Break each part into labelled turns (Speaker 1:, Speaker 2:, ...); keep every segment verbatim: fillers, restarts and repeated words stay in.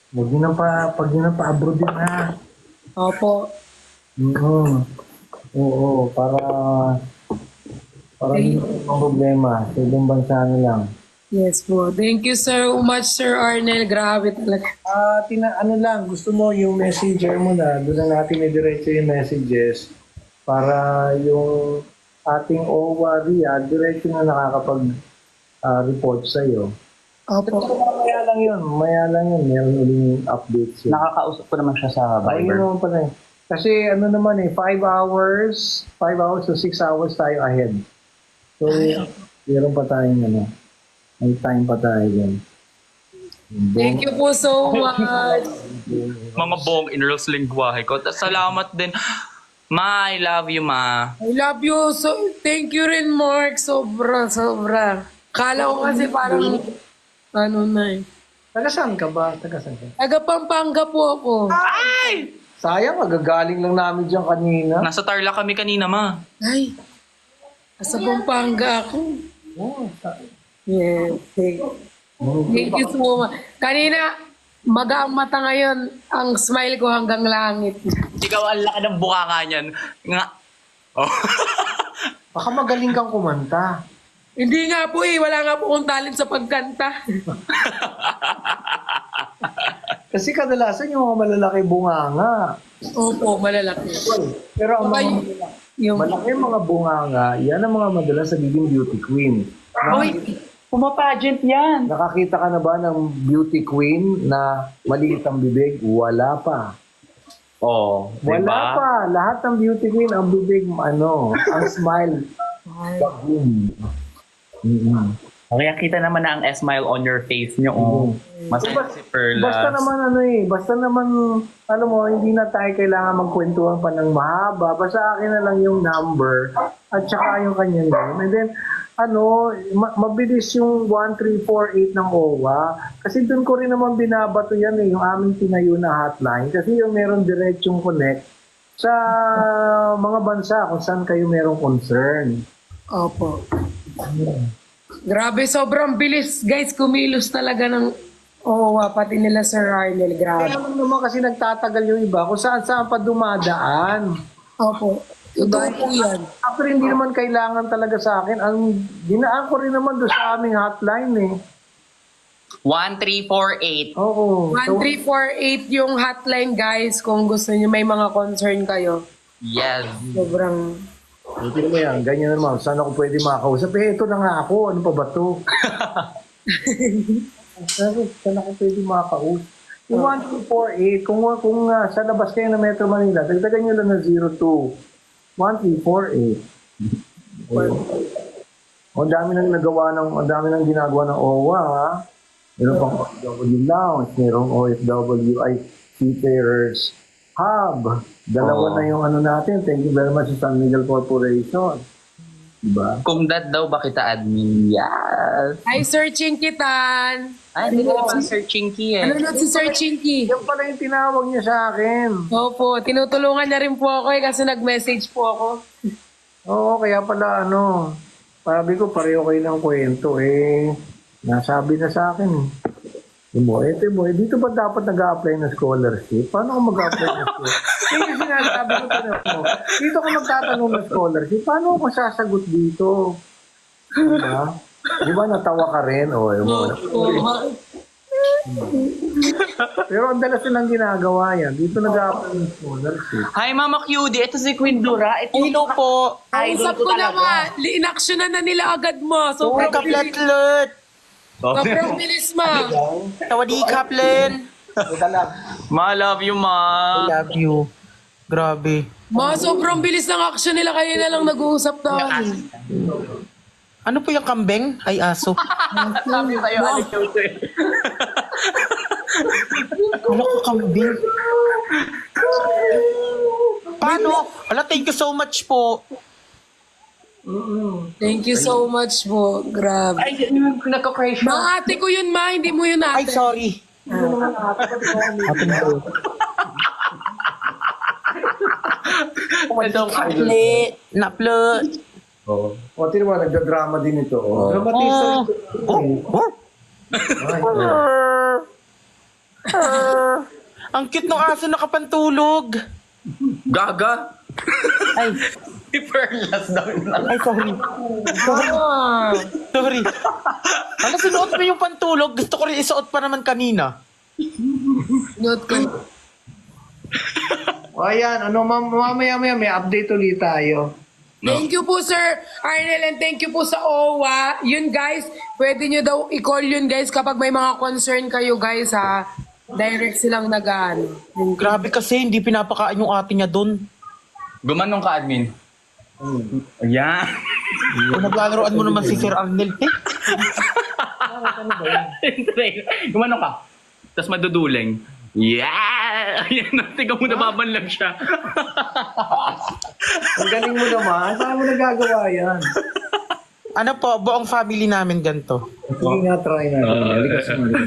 Speaker 1: Huwag nyo na pa, pag nyo na pa-abroad din ha.
Speaker 2: Opo.
Speaker 1: Oo. Oo, para, para
Speaker 2: Thank-
Speaker 1: hindi may problema. Sa ibang bansa na lang.
Speaker 2: Yes po. Thank you so much, Sir Arnel. Grabe talaga.
Speaker 1: Ah, tina ano lang, gusto mo yung messenger mo na, doon na natin i-diretso yung messages para yung ating O W A RIA, diretso na nakakapag ah, report sa iyo.
Speaker 2: Opo.
Speaker 1: Maya lang yun, maya lang yun, meron uling updates yun.
Speaker 3: Nakakausap ko naman siya sa
Speaker 1: Ay, yun
Speaker 3: Viber.
Speaker 1: naman pala eh. Kasi ano naman eh, five hours, five hours to six hours tayo ahead. So, meron pa tayong ano, may time pa tayo dyan.
Speaker 2: Thank you po so much.
Speaker 3: Mga buong inrals lingwahe ko. Tas salamat din. Ma, I love you, ma.
Speaker 2: I love you. So, thank you rin, Mark. Sobra, sobra. Kala ko kasi parang, ano na eh.
Speaker 1: Taga saan ka ba? Taga saan ka?
Speaker 2: Taga Pampanga po ako.
Speaker 3: Ay!
Speaker 1: Sayang, magagaling lang namin dyan kanina.
Speaker 3: Nasa Tarlac kami kanina, ma.
Speaker 2: Ay, nasa Pampanga ako.
Speaker 1: Oh, sa-
Speaker 2: Yes, thank, thank you so much. Kanina, maga ang mata ngayon, ang smile ko hanggang langit.
Speaker 3: Ikaw ang laki ng bukaka niyan. Nga. Oh.
Speaker 1: Baka magaling kang kumanta.
Speaker 2: Hindi nga po eh, wala nga po akong talent sa pagkanta.
Speaker 1: Kasi kadalasan yung mga malalaki bunganga.
Speaker 2: Opo, malalaki.
Speaker 1: Pero ang mga
Speaker 2: Okay. Yung,
Speaker 1: malaki mga bunganga, yan ang mga madalas nagiging beauty queen.
Speaker 3: Uy, pumapagent yan.
Speaker 1: Nakakita ka na ba ng beauty queen na maliit ang bibig? Wala pa.
Speaker 3: Oh,
Speaker 1: Wala
Speaker 3: diba?
Speaker 1: pa. Lahat ng beauty queen, ang bibig, ano, ang smile. Bagum. Mm-hmm.
Speaker 3: Kaya kita naman na ang smile on your face nyo. Oh. Masaya si Perlas.
Speaker 1: Basta naman ano eh, basta naman, alam mo, hindi na tayo kailangan magkwentuhan pa ng mahaba. Basta akin na lang yung number at saka yung kanyang name. And then, ano, ma- mabilis yung one three four eight ng O W A. Kasi doon ko rin naman binabato yan eh, yung aming tinayo na hotline. Kasi yung meron diretsong connect sa mga bansa kung saan kayo merong concern.
Speaker 2: opo. Grabe, sobrang bilis. Guys, kumilos talaga ng O W A, pati nila Sir Arnel. Grabe.
Speaker 1: Kaya naman kasi nagtatagal yung iba kung saan saan pa dumadaan.
Speaker 2: Opo. Totoo po yan.
Speaker 1: After hindi naman kailangan talaga sa akin, ang dinaan ko rin naman doon sa aming hotline eh.
Speaker 3: one three four eight.
Speaker 1: Oo.
Speaker 2: one three four eight yung hotline, guys. Kung gusto niyo may mga concern kayo.
Speaker 3: Yes.
Speaker 2: Sobrang...
Speaker 1: Hindi mo yan, ganyan naman. Saan ako pwede makakausap? Eh, ito na nga ako. Ano pa ba to? Saan saan ako pwede makakausap? Yung one two four eight, kung, kung uh, sa labas kayo ng Metro Manila, dagdagan nyo lang na zero two one three four eight. O, ang dami nang nagawa ng, ang dami nang ginagawa ng O W A, ha? Meron pang O F W Lounge, merong O F W ay Seafarers Hub. Dalawa
Speaker 3: Oo.
Speaker 1: na yung ano natin. Thank you very much sa San Miguel Corporation. Diba?
Speaker 3: Kung that daw ba kita admin? Yes.
Speaker 2: Hi, Sir Chinkitan.
Speaker 3: Ay, hindi ko naman Sir Chinky eh.
Speaker 2: Ano na si Sir Chinky?
Speaker 1: Yan pala yung tinawag niya sa akin.
Speaker 2: Opo, tinutulungan niya rin po ako eh kasi nag-message po ako.
Speaker 1: Oo, kaya pala ano, sabi ko pareho kayo ng kwento eh. Nasabi na sa akin eh. Mo, eto mo, eh, dito ba dapat nag-a-apply ng scholarship? Paano ako mag-a-apply ng scholarship? Kaya yung sinasabi ko tinanong mo, dito ko magtatanong ng scholarship, paano ako sasagot dito? Diba? Di ba natawa ka rin? O, yun mo. Pero ang dalas nilang ginagawa yan. Dito nag-a-apply ng scholarship.
Speaker 3: Hi, Mama Cutie. Ito si Queen Dura. Ito hello po.
Speaker 2: Usap ko na nga, in-actionan na nila agad mo. So,
Speaker 4: Uy, kaplatlet!
Speaker 2: sobrang bilis ma.
Speaker 4: Tawadi kaplen!
Speaker 1: Ito lang.
Speaker 3: Ma, love you, ma.
Speaker 4: I love you. Grabe.
Speaker 2: Ma, sobrang bilis ng action nila. Kaya na lang nag-uusap tayo.
Speaker 4: Ano po yung kambing? Ay, aso.
Speaker 3: Sabi sa'yo, Ate Cutie.
Speaker 4: Ano ko kambing? Paano? Ala, thank you so much po.
Speaker 2: Thank you so much po. Grabe.
Speaker 3: Ay, yun yung nagka-crash mo.
Speaker 2: Ma, ate ko yun ma. Hindi mo yun
Speaker 4: Ay,
Speaker 2: ate.
Speaker 4: sorry. Ate mo.
Speaker 3: Itong
Speaker 4: Kaplet. Naplet.
Speaker 1: Oo. O, tino mo, nagda-drama din ito. Oh. Dramatista
Speaker 4: Oh.
Speaker 1: ito.
Speaker 4: Oh. Oh.
Speaker 1: Ay,
Speaker 4: Ang cute ng aso nakapantulog.
Speaker 3: Gaga.
Speaker 4: Ay,
Speaker 3: Si Perlas daw yun lang.
Speaker 4: ay, sorry. Sorry.
Speaker 2: Ah,
Speaker 4: Sorry. Ano, sinuot mo yung pantulog? Gusto ko rin isuot pa naman kanina.
Speaker 2: note ko.
Speaker 1: O ayan, ano, mam- mamaya-maya may update ulit tayo.
Speaker 2: Thank you po, Sir Arnel, and thank you po sa O W A. Yun, guys, pwede nyo daw i-call yun, guys, kapag may mga concern kayo, guys, ha. Direct silang nagaan.
Speaker 4: Grabe kasi, hindi pinapakain yung ate niya doon.
Speaker 3: Gumanong ka, admin. Ayan.
Speaker 4: Kung naglalaroan mo naman si Sir Arnel, eh.
Speaker 3: Gumanong ka. Tapos maduduleng. Yeah! Ayan, tingnan mo nababanlag siya.
Speaker 1: Ang galing mo naman. Saan mo nagagawa yan?
Speaker 4: Ano po, buong family namin ganito.
Speaker 1: Sige nga, try natin. Halika sa mga.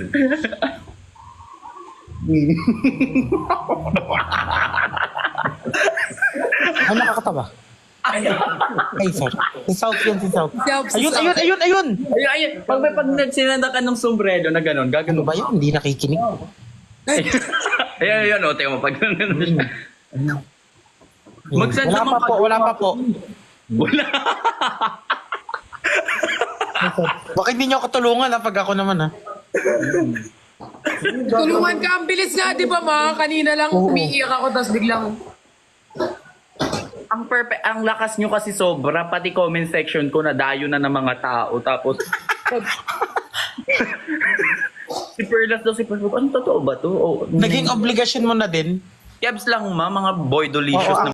Speaker 4: Ano nakakatawa? Ay, sir. Si South yun, si South.
Speaker 2: South, si
Speaker 4: Ayun,
Speaker 2: South.
Speaker 4: ayun, ayun, ayun!
Speaker 3: Ayun, ayun. Pag may pag nagsinanda ka ng sombrero na gano'n,
Speaker 4: Ano
Speaker 3: gagano
Speaker 4: ba yun? Hindi nakikinig.
Speaker 3: Ayun, ayun, o. Tingnan mo, pag gano'n siya. Mag-send
Speaker 4: Wala
Speaker 3: naman
Speaker 4: pa po, wala pa po.
Speaker 3: Wala.
Speaker 4: Baka hindi niyo ako tulungan ha, pag ako naman ha.
Speaker 2: Tulungan ka, ang bilis nga, di ba, ma? Kanina lang umiiyak ako, tapos biglang...
Speaker 3: Ang perfect, ang lakas nyo kasi sobra, pati comment section ko na dayo na ng mga tao. Tapos, si Perlas daw, si Perlas, ano totoo ba to? Oh,
Speaker 4: Naging obligasyon mo na din.
Speaker 3: Kebs lang ma, mga boy delicious
Speaker 4: Oo,
Speaker 3: na.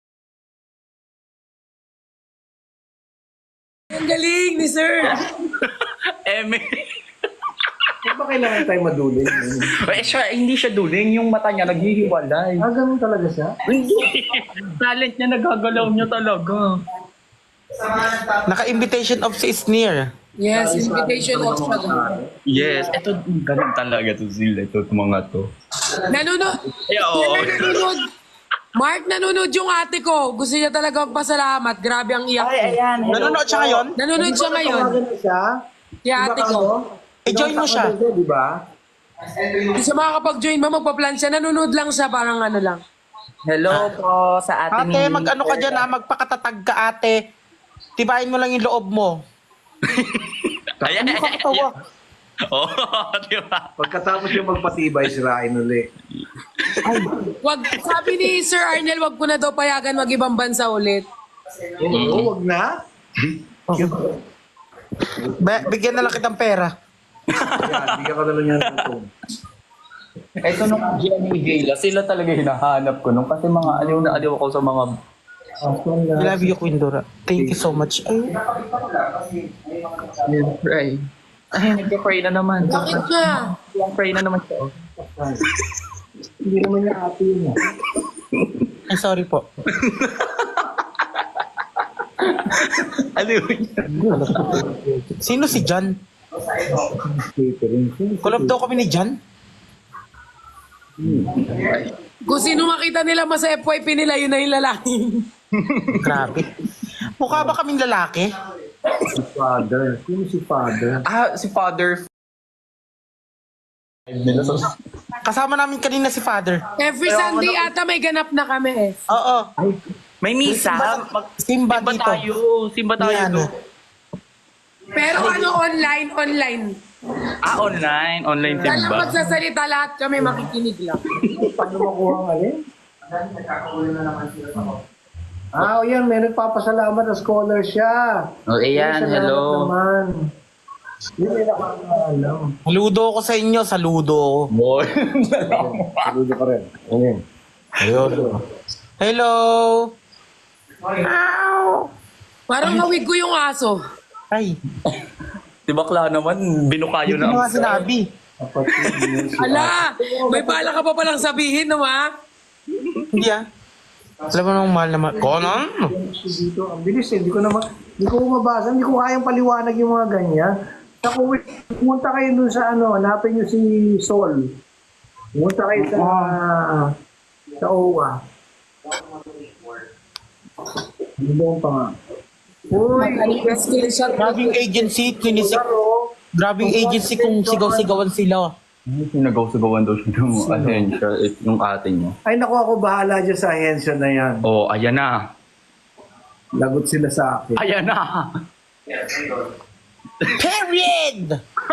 Speaker 2: Ang galing ni Sir!
Speaker 3: Eme.
Speaker 1: Huwag ba kailangan tayo maduling?
Speaker 3: eh, siya, hindi siya duling, yung mata niya naghihiwalay.
Speaker 1: Ah, ganun talaga siya?
Speaker 3: Hindi. Talent niya, nagagalaw niya talaga.
Speaker 4: Naka-invitation of si Sneer.
Speaker 2: Yes, invitation of siya.
Speaker 3: Yes, ito, ganun talaga to sila, ito mga to.
Speaker 2: Nanonood.
Speaker 3: Ay, oo.
Speaker 2: Sir, nanonood. Mark, nanonood yung ate ko. Gusto niya talaga magpasalamat. Grabe ang iyak.
Speaker 3: Ay, ayan.
Speaker 4: Nanonood siya ngayon?
Speaker 2: Nanonood siya ngayon.
Speaker 1: Tawagan mo siya?
Speaker 2: Kaya ate ko.
Speaker 4: I-join mo siya.
Speaker 1: Di ba?
Speaker 2: Hindi siya makakapag-join ba, magpa-plan siya. Nanonood lang siya, parang ano lang.
Speaker 3: Hello po sa ating...
Speaker 4: Ate, mag-ano ka dyan ha, magpakatatag ka ate. Tibayin mo lang yung loob mo.
Speaker 3: Ayan,
Speaker 4: Ano ka katawa?
Speaker 3: Oo, di ba?
Speaker 1: Pagkatapos yung magpatibay, sirain uli.
Speaker 2: Wag, sabi ni Sir Arnel, wag ko na daw payagan mag-ibang bansa ulit.
Speaker 1: Oo, wag na.
Speaker 4: Ba- bigyan na lang kitang pera.
Speaker 1: Yan, bigyan ko na lang yan ng tone.
Speaker 3: Ito nung Jenny Gala, sila talaga hinahanap ko nung kasi mga aliw na aliw ako sa mga...
Speaker 4: I love you, Queen Dora. Thank you so much. Ay,
Speaker 3: Pray. Ay, nagka-pray na naman.
Speaker 2: Bakit nga?
Speaker 3: Pray na naman siya.
Speaker 1: Hindi naman niya ate yun.
Speaker 4: ay sorry po.
Speaker 3: Aliw niya.
Speaker 4: Sino si John? Collab daw kami ni John?
Speaker 2: Kung sino makita nila mas sa F Y P nila, yun na yung lalaki.
Speaker 4: Grabe. Mukha ba kaming lalaki?
Speaker 1: Si father. Sino si father?
Speaker 3: Ah, si Father.
Speaker 4: Kasama namin kanina si Father.
Speaker 2: Every Sunday ata may ganap na kami eh.
Speaker 4: Oo.
Speaker 3: May misa. Mag-
Speaker 4: Simba
Speaker 3: Simba
Speaker 4: dito.
Speaker 3: tayo. Simba tayo
Speaker 4: Yan.
Speaker 3: doon.
Speaker 2: Pero ano, online, online.
Speaker 3: Ah, online. Online
Speaker 2: Kaya
Speaker 3: simba.
Speaker 2: magsasalita lahat kami, makikinig lang.
Speaker 1: Paano makuha ang alin? Ah, o yan, may nagpapasalamat na scholar siya.
Speaker 3: Oh, ayan.
Speaker 1: Salamat
Speaker 3: Hello.
Speaker 1: naman. Hindi may nakakaalam.
Speaker 4: Saludo ko sa inyo, saludo ko.
Speaker 3: Boy.
Speaker 1: Saludo ka rin. Ayun.
Speaker 4: Ayun. Hello.
Speaker 2: Parang hawig ko yung aso.
Speaker 4: Ay,
Speaker 3: Di bakla naman, binukayo
Speaker 4: hindi
Speaker 3: na.
Speaker 4: mo nga sinabi.
Speaker 1: Kapatid niya si
Speaker 2: Ala, may bala ka pa palang sabihin, no ma?
Speaker 4: Hindi ah. Alam mo nung mahal naman. Conan?
Speaker 1: dito. Ang bilis eh. Hindi ko naman, hindi ko mabasa. Hindi ko kayang paliwanag yung mga ganyan. Sa kung pumunta kayo dun sa ano, hanapin nyo si Sol. Pumunta kayo sa sa O W A. Hindi mo pa nga. Uy,
Speaker 2: Screenshot.
Speaker 4: Grabing agency, kinisik. Grabing agency kung sigaw-sigawan sila.
Speaker 3: Sinagaw-sagawan daw siya ng ahensya, eh, yung ate niya.
Speaker 1: Ay naku, ako bahala dyan sa ahensya na yan.
Speaker 3: Oh, ayan na.
Speaker 1: Lagot sila sa akin.
Speaker 3: Ayan na.
Speaker 4: Period!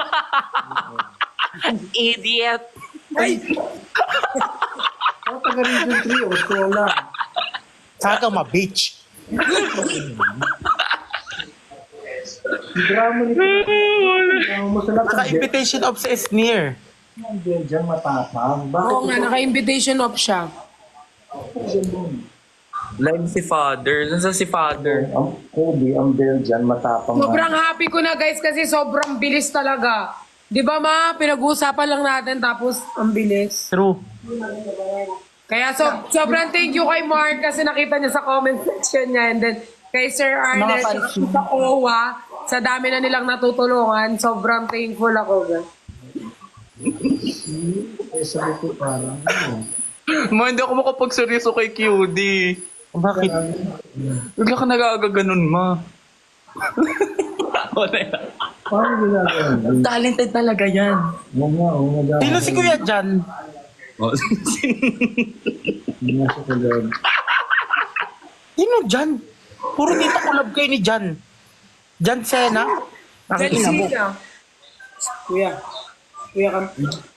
Speaker 4: Idiot!
Speaker 2: Ay,
Speaker 1: Ako taga Region three, Ostola.
Speaker 4: Saka ma, bitch.
Speaker 1: Drama nito. Ang masarap ang
Speaker 4: Naka-invitation of sa Esnir.
Speaker 1: Belgian matapang. Bakit
Speaker 2: oo nga, naka-invitation off siya.
Speaker 3: Live si father. Nasa si father?
Speaker 1: ang Kobe, ang Belgian matapang?
Speaker 2: Sobrang happy ko na guys kasi sobrang bilis talaga. Di ba ma, pinag-uusapan lang natin tapos ang bilis.
Speaker 4: True.
Speaker 2: Kaya so, sobrang thank you kay Mark kasi nakita niya sa comment section niya and then kay Sir Arnel,
Speaker 4: Mga fans mo.
Speaker 2: sa O W A, sa dami na nilang natutulungan, sobrang thankful ako guys.
Speaker 1: Eh, sabi ko parang, ano,
Speaker 3: Ma, hindi ako makapagseryoso kay Q D.
Speaker 4: Bakit?
Speaker 3: Bigla ka nagagaganon, ma. Wala yan.
Speaker 1: paano ginagawa?
Speaker 3: Talented talaga yan.
Speaker 1: Oo nga, oo nga.
Speaker 4: Sino si Kuya Jan?
Speaker 3: Oh,
Speaker 1: Hindi nga siya kagad.
Speaker 4: Sino Jan? Puro dito collab kayo ni Jan. Jan Sena? Nakikita mo.
Speaker 2: Sina? Kuya. Kuya ka.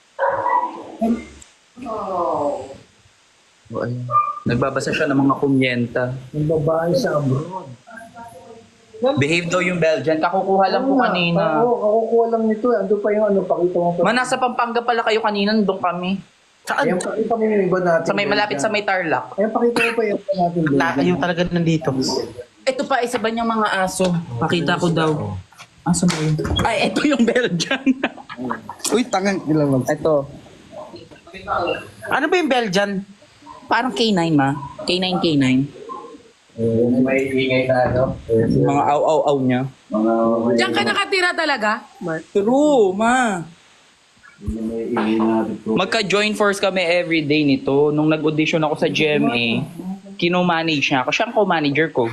Speaker 3: oh, ayun. Nagbabasa siya ng mga kumyenta.
Speaker 1: Ang babae sa abroad.
Speaker 3: Behave daw yung Belgian. Kakukuha lang po
Speaker 1: Oo nga,
Speaker 3: kanina.
Speaker 1: Oo, kakukuha lang nito. eh. Ando pa yung ano, pakita mo pa.
Speaker 3: Ma, nasa Pampanga pala kayo kanina. Doon kami.
Speaker 1: Ayan,
Speaker 4: Saan?
Speaker 1: pakita mo yung iba natin.
Speaker 3: Sa may malapit sa may Tarlac.
Speaker 1: Ayan, pakita mo pa yung iba natin.
Speaker 4: Na, yung talaga nandito.
Speaker 3: Ito pa, isa ba niyang mga aso? Pakita ko daw. Aso ba yun? Ay, ito yung Belgian.
Speaker 1: Uy, tangan ilang lang.
Speaker 3: ito.
Speaker 4: Ano ba yung Belgian?
Speaker 3: Parang K nine, ma. K nine, K nine.
Speaker 1: Eh, may ingay na, ano? Eh,
Speaker 3: Yung mga aw-aw-aw niya.
Speaker 1: mga
Speaker 2: Diyan ka nakatira talaga, Mark?
Speaker 3: True, ma.
Speaker 1: may ingay na dito.
Speaker 3: Magka-join force kami everyday nito. Nung nag-audition ako sa G M A, kino-manage niya ako. Siya ang co-manager ko.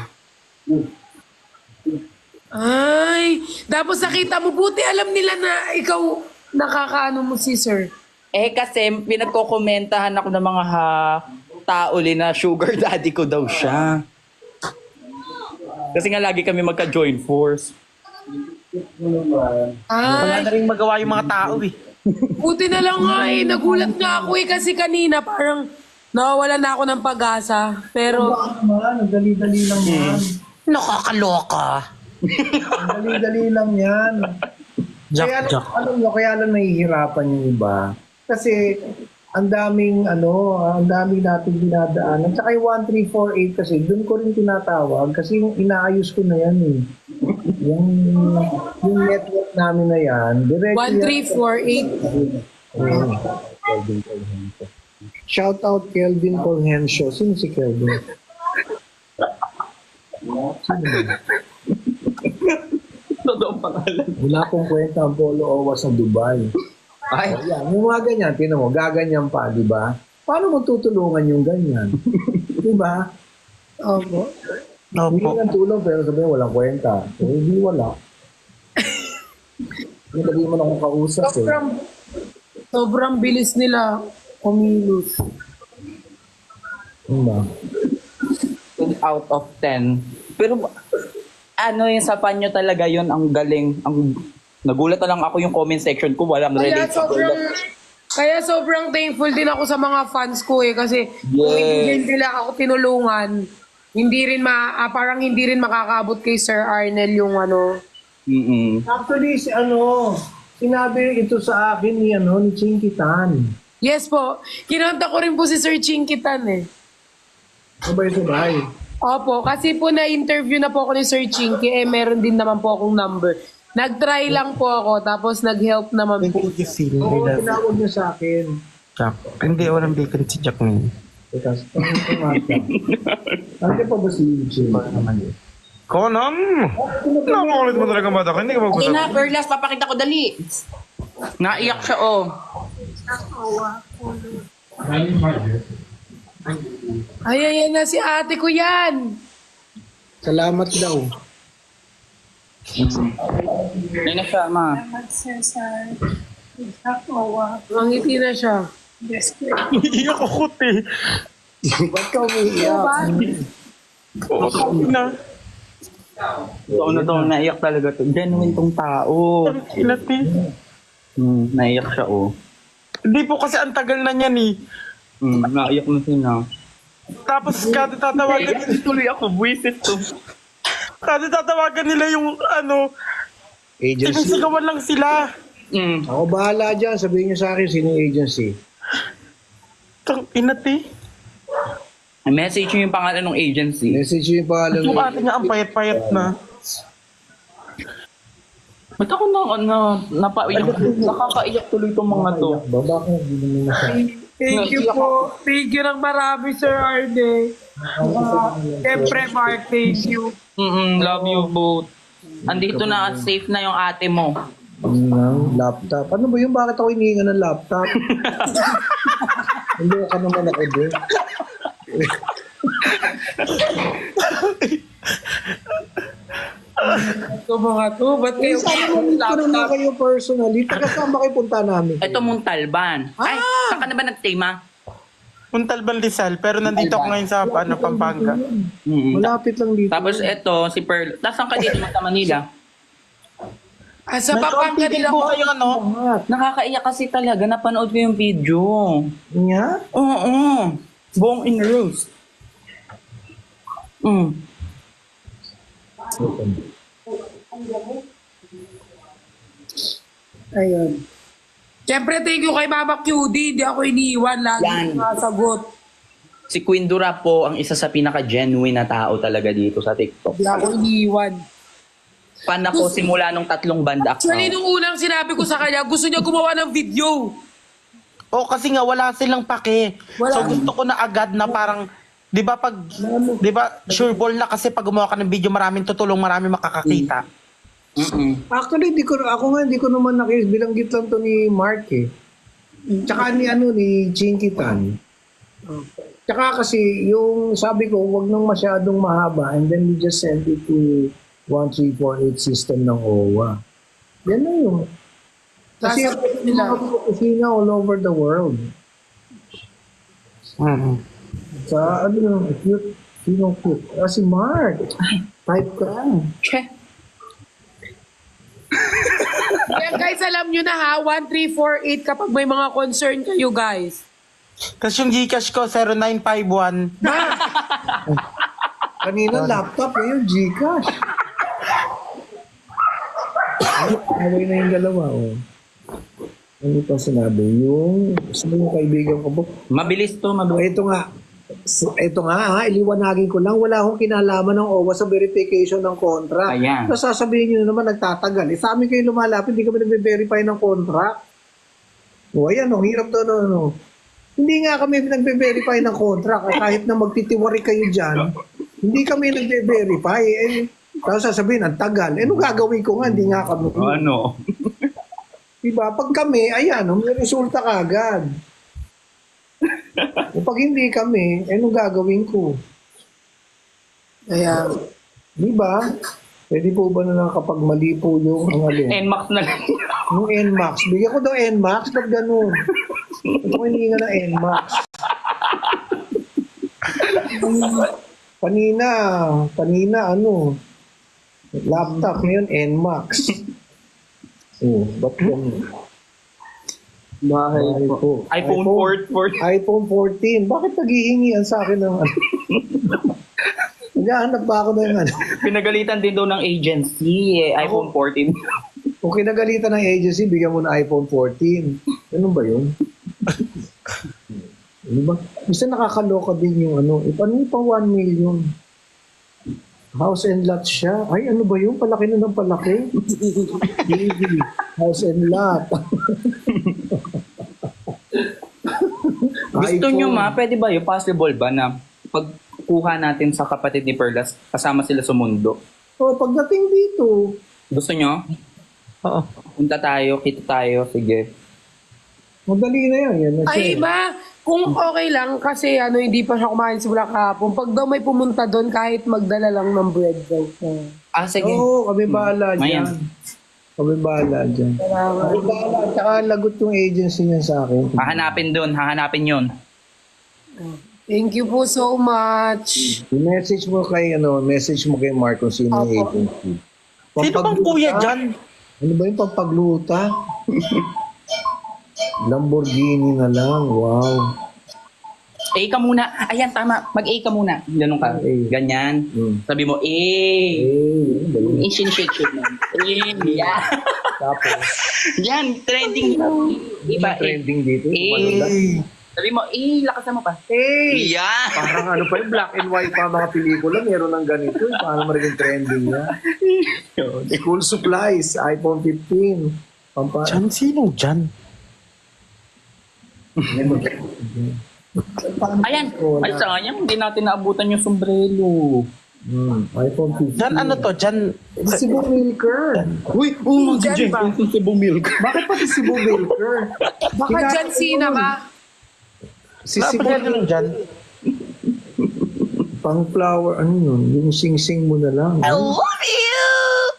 Speaker 2: Ay, tapos nakita mo, buti alam nila na ikaw nakakaano mo si Sir.
Speaker 3: Eh kasi pinagkokomentahan ako ng mga ha, tao li na sugar daddy ko daw siya. Kasi nga lagi kami magka-join force.
Speaker 4: Wala
Speaker 2: Ay,
Speaker 4: na rin magawa yung mga tao eh.
Speaker 2: buti na lang nga eh. Nagulat nga ako eh kasi kanina parang nawawala na ako ng pag-asa. Pero,
Speaker 1: Naman, ang dali-dali lang yan.
Speaker 4: Nakakaloka.
Speaker 1: Ang dali-dali lang yan. Kaya,
Speaker 4: Jack, Jack.
Speaker 1: alam nyo, kaya lang nahihirapan yung iba. Kasi, ang daming, ano, ang daming natin dinadaanan. Tsaka yung one three four eight kasi, doon ko rin tinatawag. Kasi yung inaayos ko na yan eh. Yung, yung network namin na yan. Diretso
Speaker 2: one three four eight.
Speaker 1: yan. Kelvin Colhensio. Shout out Kelvin Colhensio. Sino si Kelvin? Sino ba?
Speaker 3: Totoo pangalan.
Speaker 1: Wala akong kwenta ang Polo Owa sa Dubai.
Speaker 3: Ay,
Speaker 1: Ayan, yung mga ganyan, tinan mo, gaganyan pa, di ba? Paano mo tutulungan yung ganyan? Di ba?
Speaker 2: Opo.
Speaker 1: Hindi
Speaker 4: Opo.
Speaker 1: ng tulong, pero sabihin, walang kwenta. So, hindi wala. Hindi sabihin mo na akong kausap eh.
Speaker 2: Sobrang, sobrang bilis nila kumilos.
Speaker 1: Diba?
Speaker 3: out of ten. Pero ano yung sa panyo talaga yun, ang galing. Ang nagulat na lang ako yung comment section ko, walang
Speaker 2: Kaya
Speaker 3: relate.
Speaker 2: sobrang, kaya sobrang thankful din ako sa mga fans ko eh. Kasi kung hindi din nila ako tinulungan, hindi rin ma, ah, parang hindi rin makakabot kay Sir Arnel yung ano.
Speaker 3: Mm-mm.
Speaker 1: Actually, si ano, sinabi ito sa akin ni, ano, ni Chinky Tan.
Speaker 2: Yes po, kinanta ko rin po si Sir Chinkitan eh.
Speaker 1: Sabay-sabay.
Speaker 2: Opo, kasi po na-interview na po ako ni Sir Chinky, eh meron din naman po akong number. Nag-try lang po ako, tapos nag-help naman po.
Speaker 4: Thank you, Phil.
Speaker 1: Oo, tinawag niya sa akin.
Speaker 4: Jack. Hindi, walang bacon si Jack ngayon.
Speaker 1: Teka, ano ito mata? Ano pa ba si Chinky? naman yun?
Speaker 5: Conan! Nakukulit mo talaga bata ka, hindi ka
Speaker 3: Okay
Speaker 5: mag-usap.
Speaker 3: na, Perlas, papakita ko dali. Naiyak siya, oh.
Speaker 2: Ay, ayan na si ate ko yan.
Speaker 1: Salamat daw.
Speaker 3: Ayun na siya, ma.
Speaker 2: Mangiti na siya.
Speaker 4: Iiyak ako, te.
Speaker 1: Ba't ka umiiyak?
Speaker 4: Na.
Speaker 3: Totoo na to, naiyak talaga to. Genuine tong tao.
Speaker 4: Ang ina, te.
Speaker 3: Hmm, naiyak siya, oh.
Speaker 4: Hindi po kasi ang tagal na niyan eh.
Speaker 3: Hmm, naiyak na sila.
Speaker 4: Tapos kada tatawagan,
Speaker 3: Tuloy ako, buwisit to.
Speaker 4: kada tatawagan nila yung ano,
Speaker 1: Agency.
Speaker 4: sinisigawan lang sila.
Speaker 3: Hmm.
Speaker 1: Ako bahala dyan. Sabihin niyo sa akin sino yung agency.
Speaker 4: Tang ina, te.
Speaker 3: Message nyo yung pangalan ng agency.
Speaker 1: Message niyo yung pangalan
Speaker 4: Yung
Speaker 1: niyo.
Speaker 4: ate nga ang payat-payat na.
Speaker 3: Ba't ako na, na, napaiyak? Nakakaiyak tuloy itong mga to.
Speaker 1: Ba, bakit hindi mo na siya?
Speaker 2: Thank you po. Thank you ng marami, Sir Arne. Uh, Siyempre, Mark, thank you.
Speaker 3: Mm-mm, love you both. Andito na, safe na yung ate mo.
Speaker 1: Ano, laptop. Ano ba yun? Bakit ako hinihinga ng laptop? Hindi ka naman ako doon.
Speaker 2: Ito mga to, ba't kayo
Speaker 1: Sana mo meet ko naman
Speaker 2: laptop?
Speaker 1: kayo personally. Taga saan ba kayo punta namin?
Speaker 3: Ito mong talban. Ay, saan ka na ba nag-stay, ma?
Speaker 4: Puntalban Rizal, pero nandito ako ngayon sa ano, Pampanga.
Speaker 3: Mm-mm.
Speaker 1: Malapit lang dito.
Speaker 3: Tapos ito, si Pearl. Tapos saan ka dito sa Manila?
Speaker 2: Ah, sa Pampanga
Speaker 4: Nag-compete
Speaker 2: nila
Speaker 4: po
Speaker 2: ko.
Speaker 4: kayo, ano?
Speaker 3: Nakakaiyak kasi talaga. Napanood ko yung video.
Speaker 1: Nga?
Speaker 3: Oo. Buong in roast. Mm.
Speaker 2: Ayun. Siyempre, thank you kay Mama Q D. Hindi ako iniiwan. Lagi
Speaker 3: Yan.
Speaker 2: nasagot.
Speaker 3: Si Queen Dura po ang isa sa pinaka-genuine na tao talaga dito sa TikTok.
Speaker 2: Hindi ako iniiwan.
Speaker 3: Fan ako simula nung tatlong banda
Speaker 2: Actually,
Speaker 3: account.
Speaker 2: nung unang sinabi ko sa kanya, gusto niya gumawa ng video.
Speaker 4: O kasi nga wala silang pake.
Speaker 2: Wala.
Speaker 4: So gusto ko na agad na parang 'di ba pag 'di ba sure ball na kasi pag gumawa ka ng video maraming tutulong, maraming makakakita.
Speaker 3: Mm-mm.
Speaker 1: Actually, di ko, ako nga, di ko naman nakis. Bilanggit lang to ni Mark eh. Tsaka ni ano, ni Chinky Tan. Tsaka kasi, yung sabi ko, wag nang masyadong mahaba and then we just send it to one three four eight system ng O W A. Yan na yun. Kasi
Speaker 2: Sasabihin nila.
Speaker 1: mga kusina all over the world.
Speaker 4: Mm.
Speaker 1: Sa ano yung cute, sino cute? Ah, si Mark. Type ka.
Speaker 3: Che.
Speaker 2: Yan guys, alam nyo na ha, one three four eight kapag may mga concern kayo guys.
Speaker 4: Kasi yung Gcash ko zero nine five one.
Speaker 1: Kanina laptop, ngayon Gcash. Away na yung dalawa, oh. Ano pa sinabi? Yung, sino yung kaibigan ko po?
Speaker 3: Mabilis to,
Speaker 1: Oh,
Speaker 3: mabilis.
Speaker 1: ito nga. So, ito nga, ha, iliwanagin ko lang. Wala akong kinalaman ng O W A sa verification ng contract.
Speaker 3: Ayan.
Speaker 1: Tapos sasabihin nyo na naman, nagtatagal. Eh, sa amin kayo lumalapit, hindi kami nagbe-verify ng contract. O, ayan, oh, hirap to, no, no. Hindi nga kami nagbe-verify ng contract. At kahit na magtitiwari kayo dyan, hindi kami nagbe-verify. Eh, tapos sasabihin, ang tagal. Eh, ano gagawin ko nga? Hindi nga kami.
Speaker 3: Ano?
Speaker 1: Diba? Pag kami, ayan, oh, may resulta kagad. O pag hindi kami, eh, ano gagawin ko? Kaya, di ba? Pwede po ba na lang kapag mali po yung ang alin?
Speaker 3: N-Max na lang.
Speaker 1: Yung N MAX. Bigyan ko daw N MAX, ba't ganun? Ito ko hindi nga na N MAX. Kanina, kanina ano, laptop ngayon N MAX. Oh, ba't ganun?
Speaker 3: Bahay
Speaker 1: po.
Speaker 3: iPhone four.
Speaker 1: iPhone fourteen. Bakit naghihingian sa akin ng ano? Naghahanap ba ako ng ano?
Speaker 3: Pinagalitan din daw ng agency, eh, iPhone fourteen.
Speaker 1: Kung kinagalitan ng agency, bigyan mo na iPhone fourteen. Ganun ba yun? Ano ba? Bisa nakakaloka din yung ano. Eh, paano yung pang one million? House and lot siya. Ay, ano ba yun? Palaki na ng palaki. T V. House and lot.
Speaker 3: Gusto
Speaker 1: iPhone.
Speaker 3: nyo ma, pwede ba yun? Possible ba na pagkuha natin sa kapatid ni Perlas, kasama sila sa mundo?
Speaker 1: Oh, pagdating dito,
Speaker 3: Gusto nyo?
Speaker 4: Oo.
Speaker 3: Punta tayo, kita tayo, sige.
Speaker 1: madali na yan. Yan na siya.
Speaker 2: Ay ba, kung okay lang kasi ano hindi pa siya kumain simula kahapon. Pag daw may pumunta doon kahit magdala lang ng bread guys. Uh,
Speaker 3: Ah, sige.
Speaker 1: Oo, kami bahala
Speaker 3: Mayan.
Speaker 1: dyan. Kami bahala dyan.
Speaker 2: Salamat.
Speaker 1: Kami bahala. At saka lagot yung agency niya sa akin.
Speaker 3: Hahanapin dun, hahanapin yun.
Speaker 2: Thank you po so much.
Speaker 1: I-message mo kay, ano, message mo kay Mark kung sino yung
Speaker 2: Opo.
Speaker 1: agency.
Speaker 4: Sino bang kuya dyan?
Speaker 1: Ano ba yung pampagluta? Lamborghini na lang. Wow.
Speaker 3: A ka muna. Ayan, tama. Mag-A ka muna. Ganun ka.
Speaker 1: A.
Speaker 3: Ganyan.
Speaker 1: Hmm.
Speaker 3: Sabi mo, A.
Speaker 1: Eh, galing.
Speaker 3: Eh, shake-shake mo. A. Yan.
Speaker 1: Tapos,
Speaker 3: Yan, trending. Iba, A.
Speaker 1: trending dito.
Speaker 3: Eh.
Speaker 1: Kumanda.
Speaker 3: Sabi mo, A. Lakasan mo pa.
Speaker 1: Eh!
Speaker 3: Yan.
Speaker 1: Parang ano pa yung black and white pa mga pelikula, meron ng ganito. eh. Paano magiging trending niya? School supplies, iPhone fifteen. Pampa-
Speaker 4: Dyan, sino dyan?
Speaker 3: Ayan. Ay, sayang. Hindi natin naabutan yung sombrero.
Speaker 1: Hmm, iPhone fifteen.
Speaker 4: Dyan, ano to? Dyan,
Speaker 1: Cebu Milker.
Speaker 3: Uy, oh,
Speaker 2: Dyan ba?
Speaker 3: Cebu milk.
Speaker 1: Bakit pati Cebu Milker?
Speaker 2: Baka
Speaker 1: Kina-
Speaker 2: dyan Sina ka.
Speaker 1: Si Cebu
Speaker 4: napagyan nyo dyan.
Speaker 1: pang flower, ano yun? Yung sing-sing mo na lang.
Speaker 3: I love you!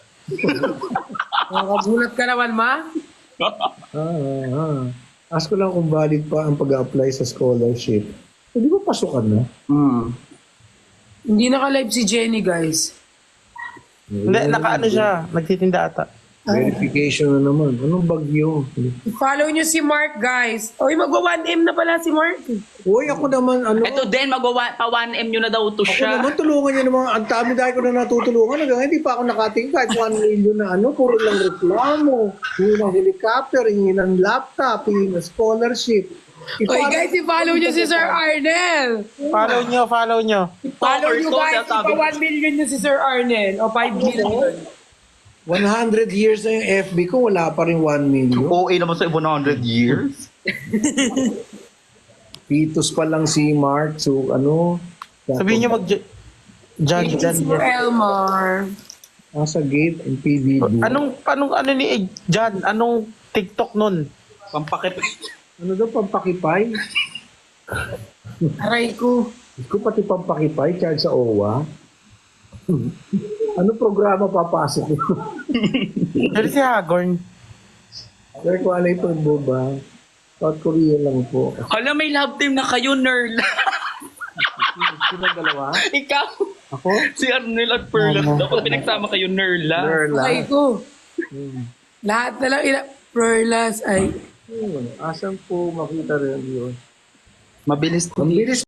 Speaker 2: Nakagulat ka naman, ma.
Speaker 1: Ah, ah, ah. Ask ko lang kung valid pa ang pag-apply sa scholarship. Eh, di ba pasukan na?
Speaker 3: Hmm.
Speaker 2: Hindi naka-live si Jenny, guys.
Speaker 4: Hindi, nakaano siya. Nagtitinda ata.
Speaker 1: Verification na naman. Anong bagyo?
Speaker 2: Follow nyo si Mark, guys. Oy, magwa one M na pala si Mark.
Speaker 1: Uy, ako naman, ano?
Speaker 3: Ito din, magawa pa one M yun na daw to
Speaker 1: Ako
Speaker 3: siya.
Speaker 1: naman, tulungan niya naman. Ang dami dahil ko na natutulungan. Hanggang hindi pa ako nakating kahit one million na ano. Puro lang reklamo. Hingi ng helicopter, hingi ng laptop, hingi ng scholarship.
Speaker 2: Oy, guys, i-follow nyo si Sir Arnel.
Speaker 4: Follow nyo, follow nyo.
Speaker 2: Follow
Speaker 3: Stalkers
Speaker 2: nyo,
Speaker 3: to,
Speaker 2: guys.
Speaker 3: sabi.
Speaker 2: Ipa one million nyo si Sir Arnel. O five million.
Speaker 1: one hundred years na yung F B ko, wala pa rin one million.
Speaker 3: O A naman sa one hundred years.
Speaker 1: Pitos pa lang si Mark. So, ano?
Speaker 4: Sabihin nyo mag... Dyan, dyan,
Speaker 2: Sir
Speaker 4: dyan.
Speaker 2: Elmar.
Speaker 1: Nasa gate and P B D.
Speaker 4: Anong, anong, ano ni eh, dyan? Anong TikTok nun?
Speaker 3: Pampakip.
Speaker 1: Ano daw, pampakipay?
Speaker 2: Aray ko.
Speaker 1: Ko pati pampakipay, charge sa O W A. Ano programa papasok ito?
Speaker 4: Pero si Hagorn.
Speaker 1: Sir, kung ano ito, ba? South Korea lang po.
Speaker 3: Hala, may love team na kayo, nerd.
Speaker 1: Sino dalawa?
Speaker 3: Ikaw.
Speaker 1: Ako?
Speaker 3: Si Arnel at Perla. Dapat pinagsama kayo, Nerla.
Speaker 1: Nerla.
Speaker 2: Aray ko. Lahat na lang ina... Perlas ay...
Speaker 1: Yun. Asan po makita rin yun?
Speaker 3: Mabilis
Speaker 1: Ang bilis